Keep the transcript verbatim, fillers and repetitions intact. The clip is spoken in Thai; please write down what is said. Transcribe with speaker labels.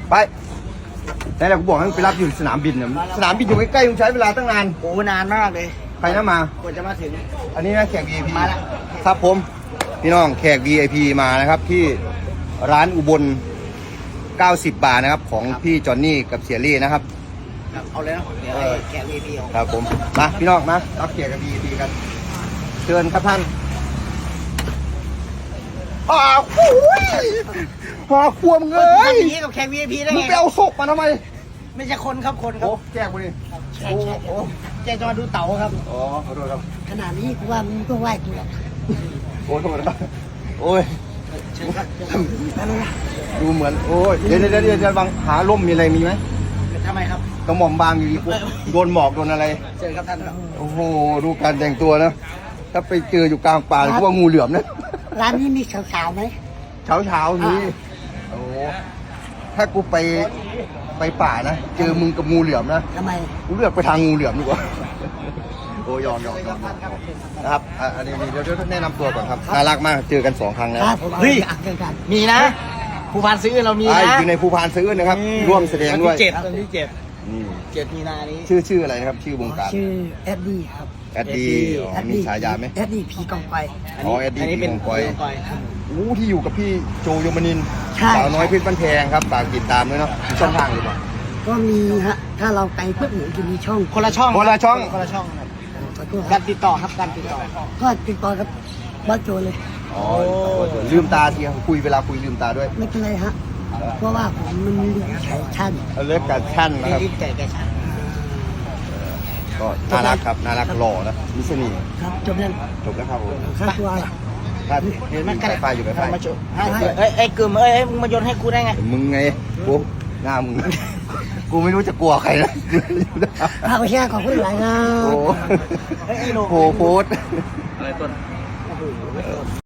Speaker 1: ไปไหนแหละกูบอกให้มึงไปรับอยู่สนามบินเนี่ยสนามบินอยู่ใกล้ๆมึงใช้เวลาตั้งนาน
Speaker 2: โอ้นานมากเลย
Speaker 1: ใครนะมาก
Speaker 2: ว่าจะมาถึง
Speaker 1: อันนี้นะแขก วี ไอ พี
Speaker 2: มาแล้ว
Speaker 1: ครับผมพี่น้องแขก วี ไอ พี มานะครับที่ร้านอุบลเก้าสิบบาทนะครับของพี่จอนนี่กับเสียรี่นะครับ
Speaker 2: เอาเลยนะเดี๋ยวแกะ วี ไอ พี เอา
Speaker 1: ครับผมมาพี่น้องมารับเกียรติกับ วี ไอ พี กันเชิญครับท่านอ้าวโอ้ยหาควมเง
Speaker 2: ทำ
Speaker 1: ย
Speaker 2: อย่างนี้กับแขก วี ไอ พี ได้
Speaker 1: มึง
Speaker 2: ไง
Speaker 1: ไปเอาศพมาทำไม
Speaker 2: ไม่ใช่คนครับคนครั
Speaker 1: โอ้
Speaker 2: บ
Speaker 1: แจกมาดิ
Speaker 2: ใช่ใช่แกจะมาดูเต่าครับ
Speaker 1: อ๋อขอโทษครับ
Speaker 2: ขนาดนี้กูว่ามึงต้องไหว้กูแล้ว
Speaker 1: โอ้โทษนะครับโอ้ย
Speaker 2: เชิญครับ
Speaker 1: ดูเหมือนโอ้ยเดี๋ยวเดี๋ยวเดี๋ยวจะบังหาร่มมีอะไรมีไหม
Speaker 2: ทำไมครับ
Speaker 1: กระหม่อมบางอยู่ดีโดนหมอกโดนอะไร
Speaker 2: เชิญครับท่านครับ
Speaker 1: โอ้โหดูการแต่งตัวนะถ้าไปเจออยู่กลางป่าก็ว่างูเหลือมนะ
Speaker 2: ร้านนี้มีสาวๆไหม
Speaker 1: เช้าเช้าๆนี้โอ้ถ้ากูไปไปป่านะเจอมึงกับงูเหลือมนะ
Speaker 2: ทำไม
Speaker 1: กูเลือกไปทางงูเหลือมดีกว่าโอ้ยอมยอมยอมนะครับอ่ะอันนี้เดี๋ยวเดี๋ยวแนะนำตัวก่อนครับน่ารักมากเจอกันสองครั้งแล้ว
Speaker 2: ครับผมเฮ้ยมีนะผู้พันซื้อเรามี
Speaker 1: ไอ้
Speaker 2: นะ
Speaker 1: อยู่ในภูพานซื้อนะครับ ร่วมแสดงด้วย
Speaker 2: วันที่เจ็ดวันที่เจ็ด
Speaker 1: นี่
Speaker 2: เจ็ดมีนานี้
Speaker 1: ชื่อชื่ออะไรนะครับ ชื่อวงการ
Speaker 3: ชื่อแอดดี้ครับ
Speaker 1: แอดดี้อ๋อมีฉายาไหม
Speaker 3: แอดดี้ผีกองไฟ
Speaker 1: อ๋อแอดดี้
Speaker 2: นนี้เป็น
Speaker 1: ผีกองกอย
Speaker 2: ผีกอย
Speaker 1: อู้ที่อยู่กับพี่โจยมนินทร์
Speaker 3: ใช่
Speaker 1: สาวน้อยเพชรบ้านแพงครับฝากติดตามด้วยเนาะมีช่องทางหรือเปล่า
Speaker 3: ก็มีฮะ ถ้าเราไปปุ๊บเหมือนจะมีช่อง
Speaker 2: คนละช่อง
Speaker 1: คนละช่อง
Speaker 2: คนละช่องครับ
Speaker 3: ขอโทษค
Speaker 2: กา
Speaker 3: รับ
Speaker 2: รติดต่อครับการติดต่อ
Speaker 3: ก็ติดต่อกับบ้านโจเลย
Speaker 1: อ๋อลืมตาทีครับคุยเวลาคุยลืมตาด้วย
Speaker 3: ไม่เป็นไรฮะ เพราะว่าผมมันเรียนใช้ชั้น
Speaker 1: เอาเลิกการชั่นนะครับ
Speaker 2: รีบแจกแกชัน
Speaker 1: ก็น่ารักครับน่ารักหล่อนะมีเสน่ห์
Speaker 3: ครับจบแล้ว
Speaker 1: จบแล้วครับผม
Speaker 3: ค่าตัวล่ะ
Speaker 1: ถ้า
Speaker 2: เห็นไหม
Speaker 1: ไฟไฟอยู่ไฟไฟ
Speaker 2: มาจุให้เอ้ยไอ้กึ่มเอ้ยมึงมาโยนให้กูได้ไง
Speaker 1: มึงไงกูหน้ามึง กูไม่รู้จะกลัวใครนะ
Speaker 3: ถ้าไปแช่ขอบคุณหลายนะ
Speaker 1: โอ้
Speaker 2: เฮ้ยไอ้โล
Speaker 1: โหโพสต์
Speaker 2: อะไรต้น